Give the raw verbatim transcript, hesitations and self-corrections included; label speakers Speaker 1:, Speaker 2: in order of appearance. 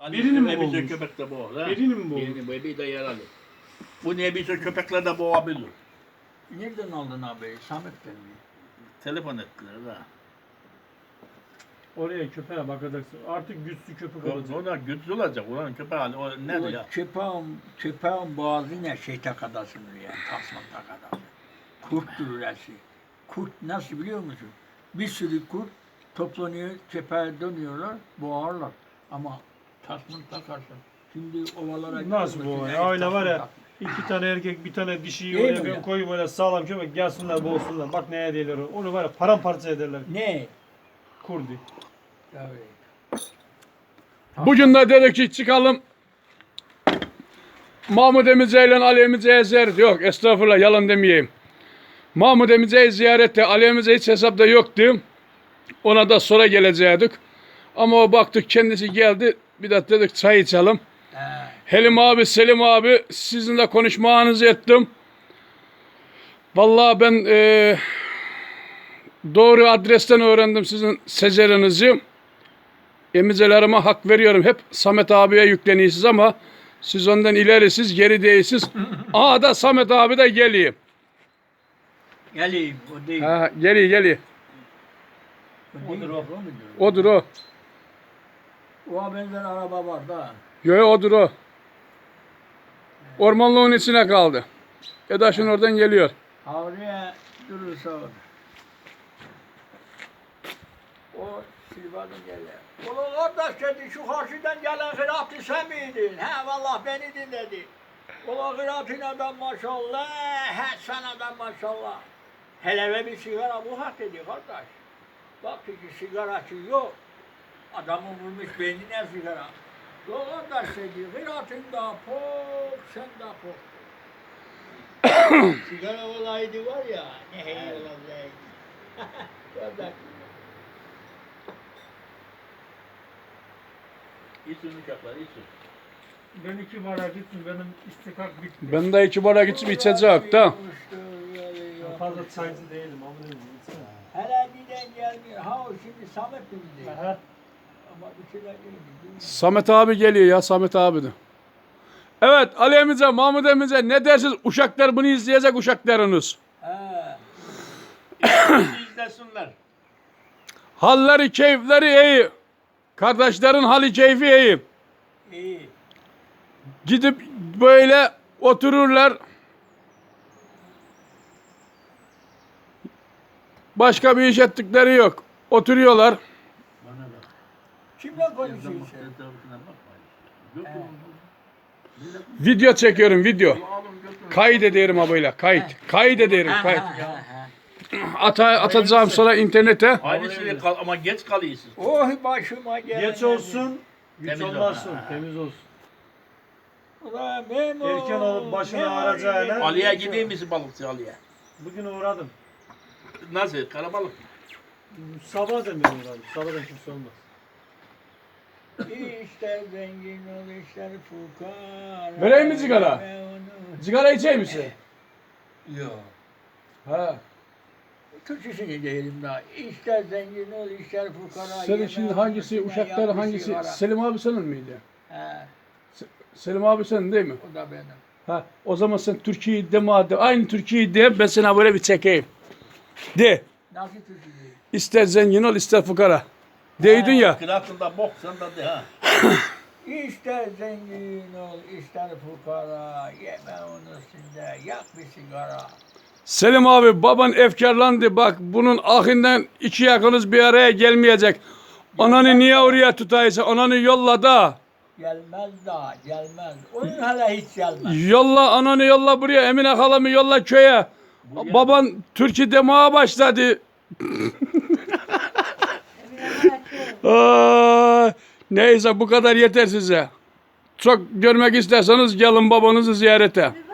Speaker 1: Birini mi
Speaker 2: Nebise
Speaker 1: boğmuş?
Speaker 2: köpek de boğar. ha?
Speaker 1: Birini mi boğmuş?
Speaker 2: Birini, bir de yaralı. Bu nebise köpekler de boğabilir.
Speaker 3: Nereden aldın abi? Samet'ten mi?
Speaker 2: Telefon ettiler ha.
Speaker 1: Oraya köpeğe bakacaksın. Artık güçlü köpek olacak.
Speaker 2: Ona güçlü olacak. Ulan köpek hali. O ne
Speaker 3: O
Speaker 2: ya?
Speaker 3: köpeğin, köpeğin boğazı ne şey takadasınır yani. Tasman takadası. Kurt durur her şey. Kurt nasıl biliyor musun? Bir sürü kurt toplanıyor, köpeğe dönüyorlar, boğarlar. Ama tasman takarsın. Şimdi ovalara
Speaker 1: Nasıl
Speaker 3: gidiyor
Speaker 1: bu?
Speaker 3: musun?
Speaker 1: Ya öyle var ya.
Speaker 3: Tasman
Speaker 1: İki tane erkek, bir tane dişiyi
Speaker 3: Değil
Speaker 1: oraya
Speaker 3: mi
Speaker 1: ben
Speaker 3: ya?
Speaker 1: koyup böyle sağlam köpek gelsinler boğsunlar. Bak neye değiller o. Onu var ya paramparça ederler.
Speaker 3: tak- Ne?
Speaker 1: Kurdi.
Speaker 3: Tabii.
Speaker 4: Bugün de dedik ki çıkalım. Mahmud Emice ile Ali Emice'ye ziyaret yok. Estağfurullah yalan demeyeyim. Mahmud Emice'yi ziyarette Ali Emice hiç hesapta yoktu. Ona da sonra gelecektik. Ama o baktık kendisi geldi. Bir de dedik çay içelim.
Speaker 3: He.
Speaker 4: Helim abi, Selim abi sizinle konuşmanızı ettim. Vallahi ben eee, doğru adresten öğrendim sizin secerinizi. Emicelerime hak veriyorum. Hep Samet abiye yükleniyorsunuz ama siz ondan ilerisiz, geri değilsiz. Aa da Samet abi de geliyor.
Speaker 3: Geleyim, o değil.
Speaker 4: Ha, geliyor, geliyor.
Speaker 3: O değil.
Speaker 1: Odur o.
Speaker 3: O mudur?
Speaker 4: Odur o.
Speaker 3: O benzer araba var da.
Speaker 4: Yo, yo, odur o. Ormanlığın içine kaldı. Edaşın oradan geliyor.
Speaker 3: Havriye durursa olur. O Silvan'ın geliyor. Ulan kardeş dedi, şu karşıdan gelen hıratı sen miydin? He vallahi beni dinledi. Ulan hıratın adam maşallah, he sen adam maşallah. Hele ve bir sigara bu hak dedi kardeş. Baktı ki sigaracı yok. Adamı vurmuş beynine sigara. Ulan kardeş dedi, hıratın da pok, sen de pok. Sigara olaydı var ya, ne hey olacak. Kardeş.
Speaker 2: İçin uçaklar, için.
Speaker 1: Ben iki bara gittim. Benim istikak bitti.
Speaker 4: Ben de iki bara gidip içecek da.
Speaker 1: Ben fazla çaycı değilim. Ama ne diyeyim.
Speaker 3: Hele giden gelmiyor. Ha o şimdi Samet mi gidiyor?
Speaker 1: Aha.
Speaker 3: Ama bir şeyler değil mi?
Speaker 4: Samet abi geliyor ya, Samet abi de. Evet Ali Emice, Mahmud Emice ne dersiniz? Uşaklar bunu izleyecek uşaklarınız.
Speaker 3: He.
Speaker 2: Bizi izlesinler.
Speaker 4: Halleri, keyifleri iyi. Kardeşlerin hali keyfi iyi.
Speaker 3: İyi.
Speaker 4: Gidip böyle otururlar. Başka bir iş ettikleri yok. Oturuyorlar.
Speaker 2: Bana bak.
Speaker 3: Kimle konuşuyorsun?
Speaker 2: Etrafına bakma. Götürün.
Speaker 4: Video çekiyorum, video.
Speaker 2: Alın götürün.
Speaker 4: Kaydederim abiyle, kayıt. Kaydederim,
Speaker 3: Ha,
Speaker 4: kayıt.
Speaker 3: ha, ha, ha.
Speaker 4: Ata, atacağım sonra internete.
Speaker 2: Aynısını kal ama geç kalıyorsun.
Speaker 3: Oh başıma gelen.
Speaker 1: Geç olsun. Güç
Speaker 2: Temiz
Speaker 1: olmazsın.
Speaker 2: olsun.
Speaker 1: Temiz olsun.
Speaker 3: Ulan Memo.
Speaker 1: Erken olup başını
Speaker 3: ne
Speaker 1: ağracağına-
Speaker 3: var
Speaker 2: Ali'ye
Speaker 3: yine?
Speaker 2: gideyim misin balıkçı Ali'ye?
Speaker 1: Bugün uğradım.
Speaker 2: Nasıl? Karabalık.
Speaker 1: Sabah da ben uğradım. Sabahdan kimse olmaz.
Speaker 3: İşler zengin ol, işler fukara.
Speaker 4: Vereyim mi sigara?
Speaker 3: Ben onu-
Speaker 4: Sigara içeyim misin?
Speaker 3: Yok.
Speaker 4: Ha.
Speaker 3: Türkçesini diyelim daha. İşler zengin ol, işler fukara.
Speaker 4: Senin
Speaker 3: yeme
Speaker 4: şimdi
Speaker 3: onu,
Speaker 4: hangisi,
Speaker 3: yeme
Speaker 4: uşaklar
Speaker 3: yapmış
Speaker 4: hangisi?
Speaker 3: sigara.
Speaker 4: Selim abi senin miydi?
Speaker 3: He,
Speaker 4: Selim abi senin değil mi?
Speaker 3: o da benim.
Speaker 4: Ha, o zaman sen Türkiye'yi de madem, aynı Türkiye'yi de ben sana böyle bir çekeyim. De.
Speaker 3: Nasıl Türkçesi?
Speaker 4: İster zengin ol, ister fukara. Deydin ya.
Speaker 2: Kıraatında bok sen de de ha.
Speaker 3: İşler zengin ol, işler fukara. Yeme onu üstünde, yak bir sigara.
Speaker 4: Selim abi baban efkarlandı. Bak bunun ahinden iki yakınız bir araya gelmeyecek. Ananı niye oraya tutaysa ananı yolla da.
Speaker 3: Gelmez daha, gelmez. Onun hele hiç gelmez.
Speaker 4: Yolla ananı yolla buraya. Emine halamı yolla köye. Baban Türkiye demeye başladı. Aa, neyse bu kadar yeter size. Çok görmek isterseniz gelin babanızı ziyarete.